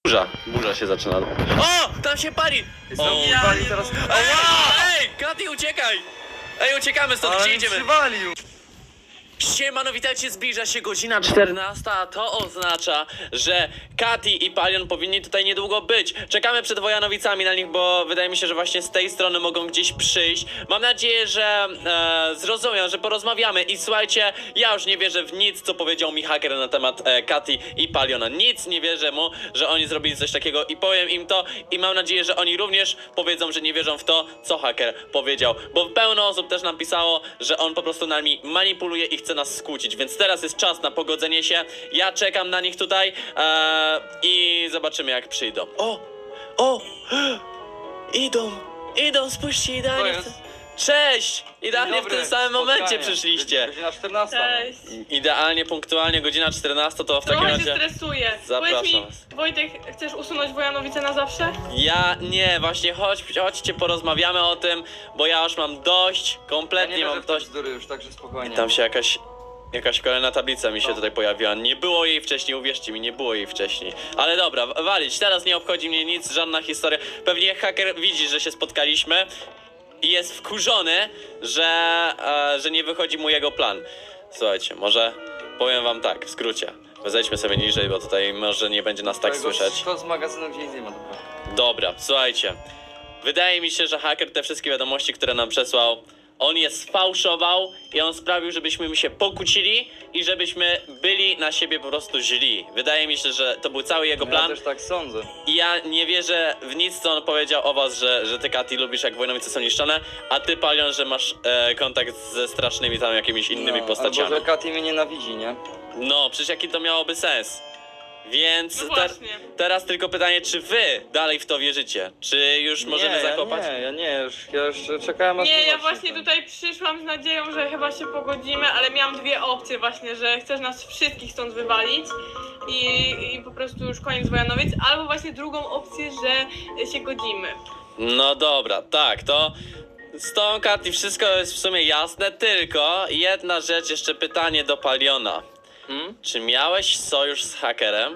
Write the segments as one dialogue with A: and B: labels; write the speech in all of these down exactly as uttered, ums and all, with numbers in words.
A: Burza, burza się zaczyna. O! Tam się pali! O,
B: ja
A: pali
B: nie
A: teraz.
B: mogę.
A: Ej, ej! Katy, uciekaj! Ej, uciekamy stąd,
B: Ale
A: gdzie
B: mi
A: idziemy?
B: przywalił!
A: Siemano, witajcie, zbliża się godzina czternasta, a to oznacza, że Katy i Palion powinni tutaj niedługo być. Czekamy przed Wojanowicami na nich, bo wydaje mi się, że właśnie z tej strony mogą gdzieś przyjść. Mam nadzieję, że e, zrozumią, że porozmawiamy i słuchajcie, ja już nie wierzę w nic, co powiedział mi haker na temat e, Katy i Paliona. Nic nie wierzę mu, że oni zrobili coś takiego i powiem im to i mam nadzieję, że oni również powiedzą, że nie wierzą w to, co haker powiedział. Bo pełno osób też nam pisało, że on po prostu nami manipuluje i chce nas skłócić, więc teraz jest czas na pogodzenie się. Ja czekam na nich tutaj e, i zobaczymy, jak przyjdą. O! O! Idą! Idą, spójrzcie, idealnie.
B: To
A: W
B: jest.
A: tym... Cześć! Idealnie w
B: Dobry,
A: tym samym momencie
B: spotkanie.
A: przyszliście.
B: Godzina czternasta.
C: Cześć.
A: Idealnie, punktualnie, godzina czternasta, to w takim
C: Trochę się
A: razie...
C: stresuję.
A: Zapraszam
C: Powiedz mi,
A: was.
C: Wojtek, chcesz usunąć Wojanowice na zawsze?
A: Ja nie, właśnie chodź, chodźcie, porozmawiamy o tym, bo ja już mam dość,
B: Ja
A: kompletnie
B: nie
A: mam
B: wierzę w te
A: dość.
B: bzdury już, także spokojnie.
A: Tam się jakaś, jakaś kolejna tablica mi się
B: No.
A: tutaj pojawiła. Nie było jej wcześniej, uwierzcie mi, nie było jej wcześniej. Ale dobra, w- walić, teraz nie obchodzi mnie nic, żadna historia. Pewnie haker widzi, że się spotkaliśmy i jest wkurzony, że, e, że nie wychodzi mu jego plan. Słuchajcie, może powiem wam tak, w skrócie. Zejdźmy sobie niżej, bo tutaj może nie będzie nas tak
B: Twojego
A: słyszeć.
B: To z magazynu, gdzie nic nie ma, dobra.
A: Dobra, słuchajcie. Wydaje mi się, że haker te wszystkie wiadomości, które nam przesłał, on je sfałszował i on sprawił, żebyśmy się pokłócili i żebyśmy byli na siebie po prostu źli. Wydaje mi się, że to był cały jego
B: Ja
A: plan
B: też tak sądzę.
A: i ja nie wierzę w nic, co on powiedział o was, że, że ty, Katy, lubisz, jak Wojnowice są niszczone, a ty, Palion, że masz e, kontakt ze strasznymi tam jakimiś innymi
B: No,
A: postaciami.
B: albo, że Katy mnie nienawidzi, nie?
A: No, przecież jaki to miałoby sens? Więc
C: No
A: te,
C: właśnie.
A: teraz tylko pytanie, czy wy dalej w to wierzycie? Czy już możemy
B: nie,
A: zakopać?
B: Ja nie, ja nie, już, ja już czekałem aż
C: Nie, ja
B: zobaczy
C: właśnie
B: ten.
C: tutaj przyszłam z nadzieją, że chyba się pogodzimy, ale miałam dwie opcje właśnie, że chcesz nas wszystkich stąd wywalić i, i po prostu już koniec Wojanowic, albo właśnie drugą opcję, że się godzimy.
A: No dobra, tak, to z tą Katy wszystko jest w sumie jasne, tylko jedna rzecz, jeszcze pytanie do Paliona.
B: Hmm?
A: Czy miałeś sojusz z hakerem?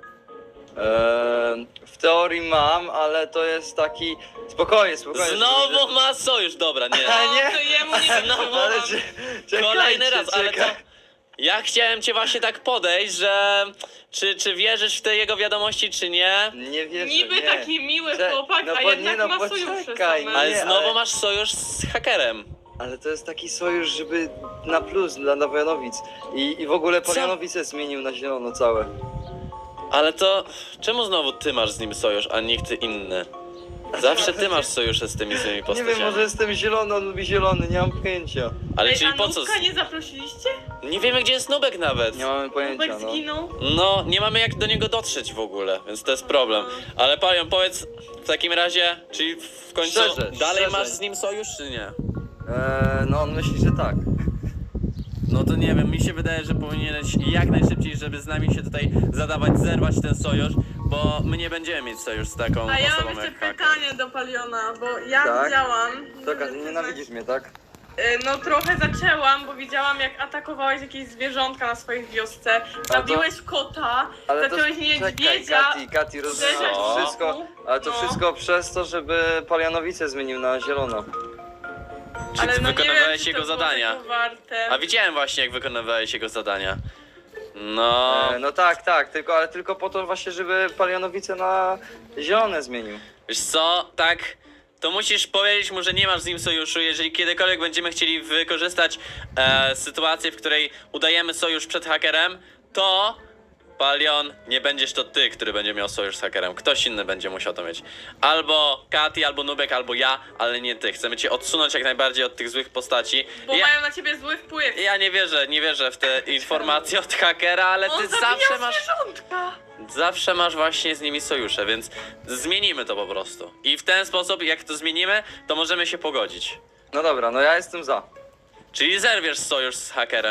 B: Eee, w teorii mam, ale to jest taki... Spokojnie, spokojnie.
A: Znowu
B: żeby-
A: ma sojusz, dobra, nie.
B: A nie?
C: O, to jemu nie
A: Znowu,
B: Ale
C: wytrzymałam.
B: cze- czekajcie,
A: Kolejny raz, ale to...
B: czekaj.
A: Ja chciałem cię właśnie tak podejść, że... Czy, czy wierzysz w te jego wiadomości, czy nie?
B: Nie wierzę,
C: Niby
B: nie.
C: taki miły
B: Cze-
C: chłopak,
B: no
C: a
B: bo-
C: jednak
B: nie, no
C: ma sojusze
B: poczekaj,
C: same.
A: Ale
B: Nie,
A: znowu
B: ale-
A: masz sojusz z hakerem.
B: Ale to jest taki sojusz, żeby na plus dla Wojanowic. I, I w ogóle
A: Co?
B: Polianowice zmienił na zielono całe.
A: Ale to... Czemu znowu ty masz z nim sojusz, a nikt inny? Zawsze ty masz sojusze z tymi złymi
B: Nie
A: postaciami.
B: wiem, może jestem zielony, on lubi zielony, nie mam pojęcia.
A: Ale
C: Ej,
A: czyli
C: a
A: po co?
C: Nubka nie zaprosiliście?
A: Nie wiemy, gdzie jest Nubek nawet.
B: Nie mamy pojęcia,
C: Nubek
B: no.
C: zginął?
A: No, nie mamy jak do niego dotrzeć w ogóle, więc to jest problem. Ale Palion, powiedz w takim razie, czyli w końcu
B: Szczerze,
A: dalej
B: szczerze.
A: masz z nim sojusz, czy nie?
B: Eee, no on myśli, że tak.
A: No to nie wiem, mi się wydaje, że powinieneś jak najszybciej, żeby z nami się tutaj zadawać, zerwać ten sojusz, bo my nie będziemy mieć sojusz z taką
C: A ja
A: osobą
C: mam jeszcze
A: jak haker.
C: pytanie do Paliona, bo ja
B: Tak?
C: widziałam...
B: Taka, ty nienawidzisz mnie, tak?
C: Y, No trochę zaczęłam, bo widziałam jak atakowałeś jakieś zwierzątka na swojej wiosce,
B: to-
C: zabiłeś kota,
B: Ale to
C: zacząłeś
B: czekaj,
C: niedźwiedzia,
B: Kati, Kati, rozumiesz,
C: uderzać
A: Co?
C: w
B: to wszystko,
C: boku.
B: ale to
C: No.
B: wszystko przez to, żeby Polianowice zmienił na zielono.
A: Czy
C: Ale
A: ty
C: no nie
A: wykonywałeś
C: wiem, czy
A: jego
C: to było
A: zadania?
C: tego warte.
A: A widziałem właśnie, jak wykonywałeś jego zadania. No,
B: Eee, no tak, tak, tylko, ale tylko po to właśnie, żeby Polianowice na zielone zmienił.
A: wiesz co, tak, to musisz powiedzieć mu, że nie masz z nim sojuszu. Jeżeli kiedykolwiek będziemy chcieli wykorzystać e, sytuację, w której udajemy sojusz przed hakerem, to Palion, nie będziesz to ty, który będzie miał sojusz z hakerem. Ktoś inny będzie musiał to mieć. Albo Katy, albo Nubek, albo ja, ale nie ty. Chcemy cię odsunąć jak najbardziej od tych złych postaci.
C: Bo
A: Ja,
C: mają na ciebie zły wpływ.
A: ja nie wierzę, nie wierzę w te informacje od hakera, ale
C: On
A: ty
C: zabijał
A: zawsze masz...
C: zwierzątka.
A: Zawsze masz właśnie z nimi sojusze, więc zmienimy to po prostu. I w ten sposób, jak to zmienimy, to możemy się pogodzić.
B: No dobra, no ja jestem za.
A: Czyli zerwiesz sojusz z hakerem.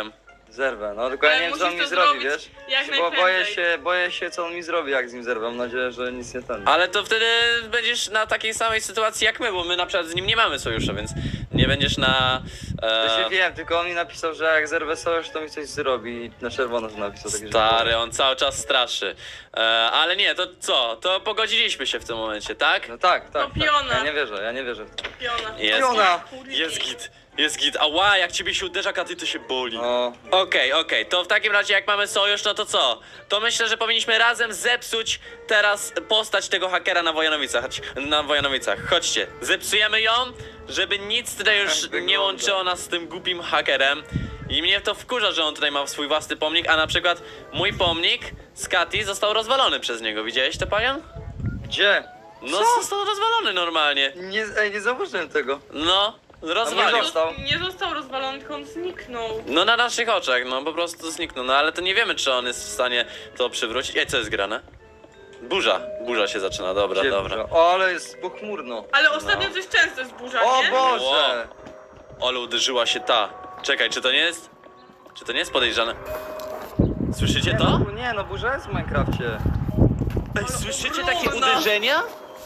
B: Zerwę, no tylko ja
C: Ale
B: nie wiem co on
C: musisz
B: mi
C: to
B: zrobi,
C: zrobić
B: wiesz?
C: jak
B: Bo boję
C: najprędzej.
B: się, boję się co on mi zrobi jak z nim zerwę, mam nadzieję, że nic nie ten.
A: Ale to wtedy będziesz na takiej samej sytuacji jak my, bo my na przykład z nim nie mamy sojusza, więc nie będziesz na...
B: To się
A: E,
B: wiem, tylko on mi napisał, że jak zerwę sojusz, to mi coś zrobi i na czerwono to napisał. takie, że-
A: stary, on cały czas straszy. E, ale nie, to co? To pogodziliśmy się w tym momencie, tak?
B: No tak, tak,
C: To
B: tak.
C: piona.
B: Ja nie wierzę, ja nie wierzę.
C: Piona.
A: Jest.
B: Piona!
C: Kurde.
A: Jest git, jest git. Ała, jak ciebie się uderza, Katy, to się boli.
B: No,
A: Okej, okej, to w takim razie jak mamy sojusz, no to co? To myślę, że powinniśmy razem zepsuć teraz postać tego hakera na Wojanowicach. Chodź- Na Wojanowicach. Chodźcie, zepsujemy ją, żeby nic tutaj już
B: Tak wygląda.
A: nie łączyło nas z tym głupim hakerem. I mnie to wkurza, że on tutaj ma swój własny pomnik, a na przykład mój pomnik z Katy został rozwalony przez niego. Widziałeś to, Palion?
B: gdzie?
A: No,
B: Co?
A: został rozwalony normalnie.
B: Nie, ej, nie zauważyłem tego.
A: No, rozwalił.
B: nie został.
C: Nie został rozwalony, tylko on zniknął.
A: No na naszych oczach, no po prostu zniknął, no ale to nie wiemy, czy on jest w stanie to przywrócić. Ej, co jest grane? Burza, burza się zaczyna, dobra,
B: Gdzie
A: dobra.
B: burza? O, ale jest pochmurno.
C: Ale ostatnio
A: No.
C: coś często jest burza,
B: O
C: nie?
B: Boże!
A: Ale uderzyła się ta. Czekaj, czy to nie jest... Czy to nie jest podejrzane? Słyszycie
B: Nie,
A: to?
B: no, nie, no burza jest w Minecrafcie.
A: Ej, słyszycie takie
C: ogromna.
A: uderzenia?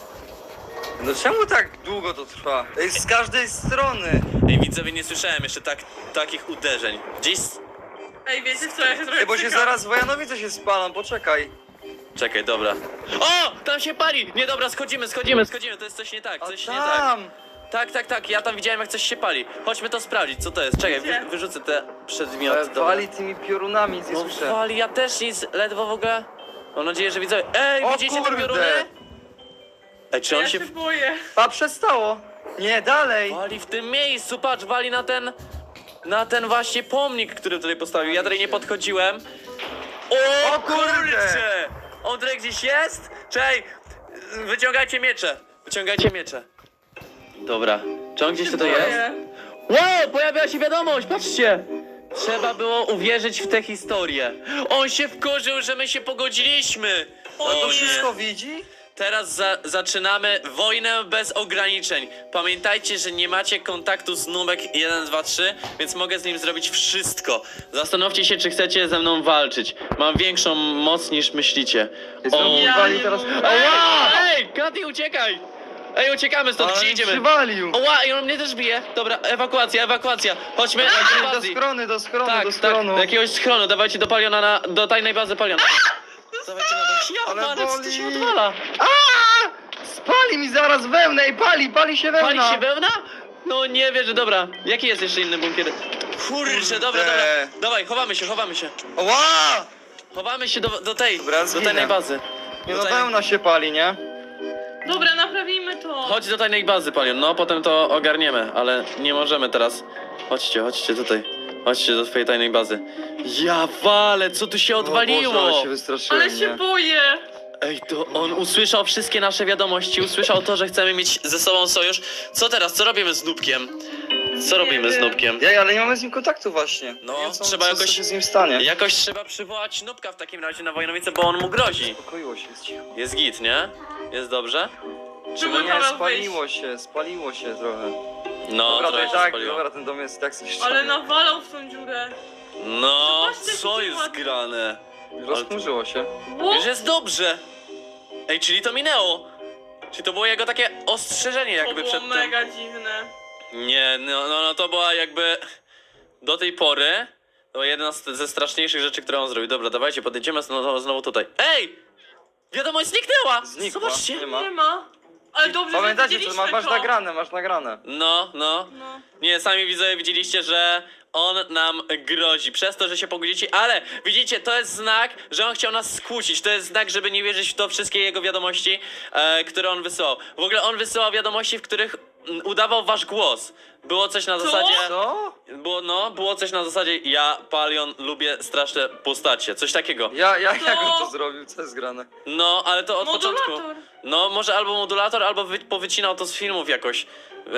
B: No czemu tak długo to trwa? Ej, z każdej strony!
A: Ej, widzowie, nie słyszałem jeszcze tak, takich uderzeń. Gdzieś... s-
C: Ej, wiecie co, ja się trochę
B: Ej, bo się
C: cykam.
B: zaraz Wojanowice się spalą, poczekaj.
A: Czekaj, dobra. O! Tam się pali! Nie, dobra, schodzimy, schodzimy, schodzimy, to jest coś nie tak,
B: A
A: coś nie tak.
B: tam!
A: Tak, tak, tak, ja tam widziałem jak coś się pali. Chodźmy to sprawdzić, co to jest. Czekaj,
C: Gdzie?
A: wy, wyrzucę te przedmioty.
B: Ale
A: dobra.
B: wali tymi piorunami, nic nie
A: No
B: słyszę.
A: wali, ja też nic, ledwo w ogóle. Mam nadzieję, że widzowie... Ej,
B: O
A: widzicie te
B: kurde!
A: pioruny? Ej, czy
C: Ja
A: on
C: się
A: się
C: boję.
B: A przestało! Nie, dalej!
A: wali w tym miejscu? Patrz, wali na ten... Na ten właśnie pomnik, który tutaj postawił. Ja tutaj nie podchodziłem. O,
B: O kurde!
A: kurczę! On tutaj gdzieś jest? Czej, wyciągajcie miecze. Wyciągajcie miecze. Dobra. Czy on gdzieś tutaj jest?
C: Boję.
A: Wow, pojawiła się wiadomość, patrzcie! Trzeba było uwierzyć w tę historię. On się wkurzył, że my się pogodziliśmy.
C: O,
A: O
B: To
A: nie.
B: wszystko widzi?
A: Teraz za zaczynamy wojnę bez ograniczeń. Pamiętajcie, że nie macie kontaktu z Nubek jeden dwa trzy, więc mogę z nim zrobić wszystko. Zastanówcie się, czy chcecie ze mną walczyć. Mam większą moc niż myślicie.
B: Znowu
C: Ja
B: wali
C: nie
B: teraz...
C: mogę.
A: Ała! Ej, Katy, uciekaj! Ej, uciekamy stąd,
B: Ale
A: gdzie
B: mi
A: idziemy?
B: przywalił!
A: Oła, i on mnie też bije. Dobra, ewakuacja, ewakuacja. Chodźmy do
B: Do
A: bazy.
B: schrony, do schrony,
A: Tak,
B: do
A: tak,
B: schronu.
A: do jakiegoś schronu. Dawajcie do Paliona, na, do tajnej bazy Paliona. Dawajcie na to. Ja,
B: Ale
A: ale co tu się
B: boli.
A: odwala?
B: Spali mi zaraz wełnę i pali, pali się wełna!
A: Pali się wełna? No nie wierzę, dobra. Jaki jest jeszcze inny bunkier? Kurczę, dobra, dobra. Dawaj, chowamy się, chowamy się.
B: Ła!
A: Chowamy się do, do tej,
B: Dobra,
A: do
B: zginę.
A: tajnej bazy.
B: Nie
A: Do
B: no,
A: tajnej-
B: wełna się pali, nie?
C: Dobra, naprawimy to.
A: Chodź do tajnej bazy, Palion. No, potem to ogarniemy, ale nie możemy teraz. Chodźcie, chodźcie tutaj. Chodźcie do twojej tajnej bazy. Ja walę, co tu się
B: O
A: odwaliło?
B: Boże, ale się wystraszyłem,
C: Ale się
B: nie?
C: boję.
A: Ej, to on usłyszał wszystkie nasze wiadomości, usłyszał to, że chcemy mieć ze sobą sojusz. Co teraz? Co robimy z Nubkiem? Co
C: Nie
A: robimy z
C: wiem.
A: Nubkiem?
B: Ja, ale nie mamy z nim kontaktu właśnie.
A: No,
B: Nie wiem, co,
A: trzeba
B: co,
A: jakoś-
B: co się z nim stanie.
A: Jakoś trzeba przywołać Nubka w takim razie na Wojnowice, bo on mu grozi.
B: Uspokoiło się, jest cicho.
A: Jest git, nie? Jest dobrze?
C: Próbuj
B: Nie,
C: Paweł
B: spaliło się, spaliło się trochę.
A: No,
B: Dobra, to
A: trochę
B: i
A: się
B: tak,
A: spaliło.
B: dobra, ten dom jest tak zniszczony.
C: Ale nawalał w tą dziurę.
A: No,
C: Zobaczcie,
A: co
C: jaki
A: jest
C: ładny.
A: grane?
B: Rozchmurzyło się.
C: Ło?
A: Już jest dobrze. Ej, czyli to minęło. Czyli to było jego takie ostrzeżenie
C: To
A: jakby
C: było
A: przed tym.
C: mega dziwne.
A: Nie, no, no, no to była jakby do tej pory to była jedna z, ze straszniejszych rzeczy, które on zrobił. Dobra, dawajcie, podejdziemy znowu, znowu tutaj. Ej! Wiadomość zniknęła!
B: Znikła.
A: Zobaczcie.
B: Nie ma.
C: Nie ma. Ale dobrze,
B: Pamiętacie,
C: że
B: to
C: widzieliśmy
B: ma, masz
C: to.
B: nagrane, masz nagrane.
A: No, no.
C: No.
A: Nie, sami widzowie widzieliście, że on nam grozi przez to, że się pogodzicie, ale widzicie, to jest znak, że on chciał nas skłócić. To jest znak, żeby nie wierzyć w to wszystkie jego wiadomości, e, które on wysyłał. W ogóle on wysyłał wiadomości, w których mm, udawał wasz głos. Było coś na
C: Co?
A: zasadzie...
B: Co?
A: Było, no, było coś na zasadzie ja, Palion, lubię straszne postacie, coś takiego.
B: Ja, ja,
C: Co?
B: jak on to zrobił? Co jest grane?
A: No, ale to od początku.
C: Modulator.
A: No, może albo modulator, albo wy, powycinał to z filmów jakoś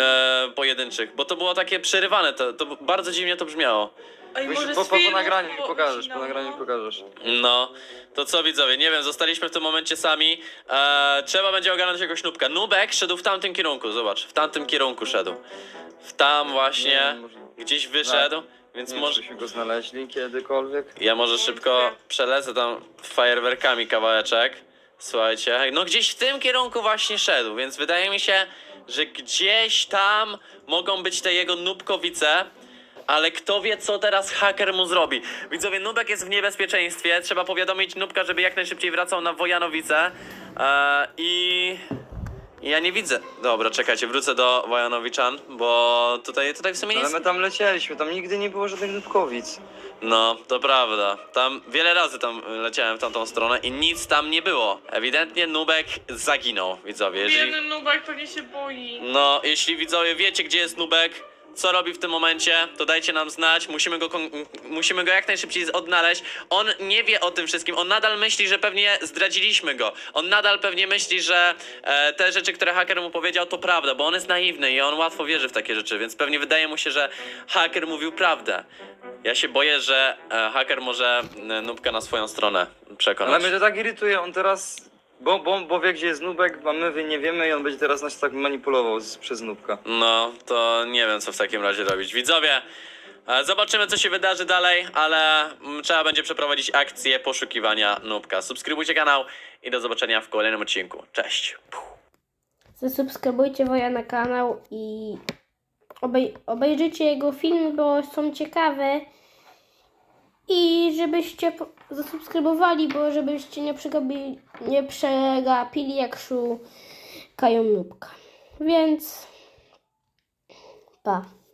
A: e, pojedynczych, bo to było takie przerywane, to, to bardzo dziwnie to brzmiało.
C: Ej,
B: Musisz
C: może
B: po,
C: z
B: po, po
C: filmu
B: nagraniu mi
C: było
B: pokażesz, po
C: wycinało.
B: nagraniu mi pokażesz.
A: No, to co widzowie, nie wiem, zostaliśmy w tym momencie sami. E, trzeba będzie ogarnąć jakiegoś nubka. Nubek szedł w tamtym kierunku, zobacz, w tamtym kierunku szedł. W tam właśnie,
B: Nie, może-
A: gdzieś wyszedł, Więc
B: Nie wiem,
A: może...
B: żebyśmy go znaleźli kiedykolwiek.
A: Ja może szybko przelecę tam fajerwerkami kawałeczek. Słuchajcie, no gdzieś w tym kierunku właśnie szedł, więc wydaje mi się, że gdzieś tam mogą być te jego nubkowice. Ale kto wie, co teraz haker mu zrobi. Widzowie, Nubek jest w niebezpieczeństwie. Trzeba powiadomić Nubka, żeby jak najszybciej wracał na Wojanowice. Eee, I... Ja nie widzę. Dobra, czekajcie, wrócę do Wojanowiczan, bo tutaj, tutaj w sumie nic...
B: Ale my tam lecieliśmy, tam nigdy nie było żadnych nubkowic.
A: No, to prawda. Tam wiele razy tam leciałem w tamtą stronę i nic tam nie było. Ewidentnie Nubek zaginął, widzowie. Jeżeli...
C: Biedny Nubek pewnie się boi.
A: No, jeśli widzowie wiecie, gdzie jest Nubek, co robi w tym momencie, to dajcie nam znać. Musimy go, kon- musimy go jak najszybciej odnaleźć. On nie wie o tym wszystkim. On nadal myśli, że pewnie zdradziliśmy go. On nadal pewnie myśli, że e, te rzeczy, które haker mu powiedział, to prawda, bo on jest naiwny i on łatwo wierzy w takie rzeczy, więc pewnie wydaje mu się, że haker mówił prawdę. Ja się boję, że e, haker może e, Nubka na swoją stronę przekonać.
B: Ale mnie to tak irytuje, on teraz... Bo, bo, bo wie, gdzie jest nubek, a my nie wiemy i on będzie teraz nas tak manipulował z, przez nubka.
A: No, to nie wiem, co w takim razie robić. Widzowie, e, zobaczymy, co się wydarzy dalej, ale mm, trzeba będzie przeprowadzić akcję poszukiwania Nubka. Subskrybujcie kanał i do zobaczenia w kolejnym odcinku. Cześć!
D: Zasubskrybujcie Woja na kanał i obej obejrzyjcie jego filmy, bo są ciekawe. I żebyście po- zasubskrybowali, bo żebyście nie przegapili, nie przegapili jak szukają Nubka. Więc pa.